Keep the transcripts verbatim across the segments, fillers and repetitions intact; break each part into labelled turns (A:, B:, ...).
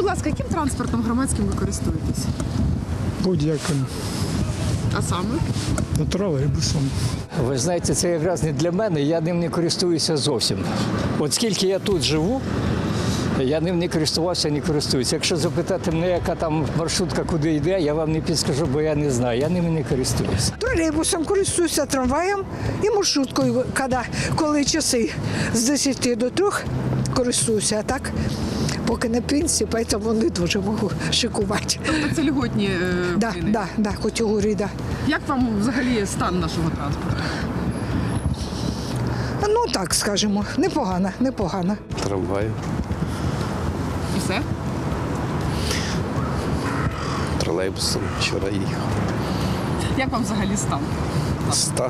A: ласка, яким транспортом громадським ви користуєтесь?
B: Будь-яким.
A: А саме?
B: Тролейбусом.
C: Ви знаєте, це якраз не для мене, я ним не користуюся зовсім. От скільки я тут живу, я ним не користувався, не користуюся. Якщо запитати мене, яка там маршрутка, куди йде, я вам не підскажу, бо я не знаю, я ним не користуюся.
D: Тролейбусом користуюся, трамваєм і маршруткою, коли, коли часи з десяти до трьох користуюся, а так поки на пенсії, тому не дуже можу шикувати.
A: Тобто це льготні е,
D: Да,
A: ціни?
D: да, да, категорії, да.
A: Як вам взагалі стан нашого транспорту?
D: Ну так, скажімо, непогано, непогано.
E: Трамвай,
A: І все?
E: тролейбусом вчора їхав.
A: Як вам взагалі стан?
E: Стан.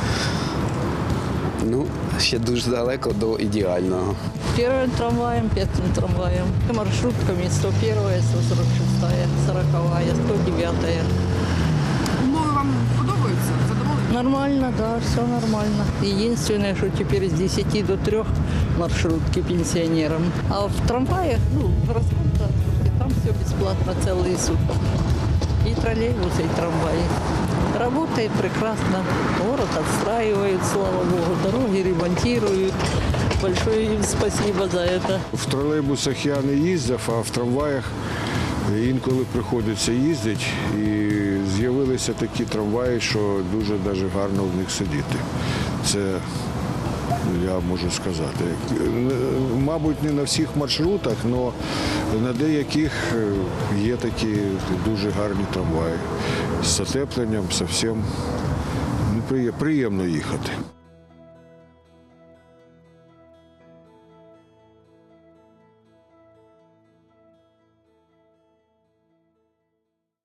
E: Ну, ще дуже далеко до ідеального.
F: Первым трамваем, пятым трамваем, маршрутками сто первая, сто сорок шестая, сороковая, сто девятая.
A: Умови вам подобаються? Задоволені?
F: Нормально, да, все нормально. Единственное, что теперь с десяти до трех маршрутки пенсионерам. А в трамваях, ну, в городском транспорте, там все бесплатно целые сутки. И троллейбусы, и трамваи. Работает прекрасно. Город отстраивают, слава богу. Дороги ремонтируют. Большое им спасибо за это.
G: В тролейбусах я не їздив, а в трамваях інколи приходиться їздити. І з'явилися такі трамваї, що дуже навіть гарно в них сидіти. Це я можу сказати. Мабуть, не на всіх маршрутах, але на деяких є такі дуже гарні трамваї. З затепленням, зовсім приємно їхати.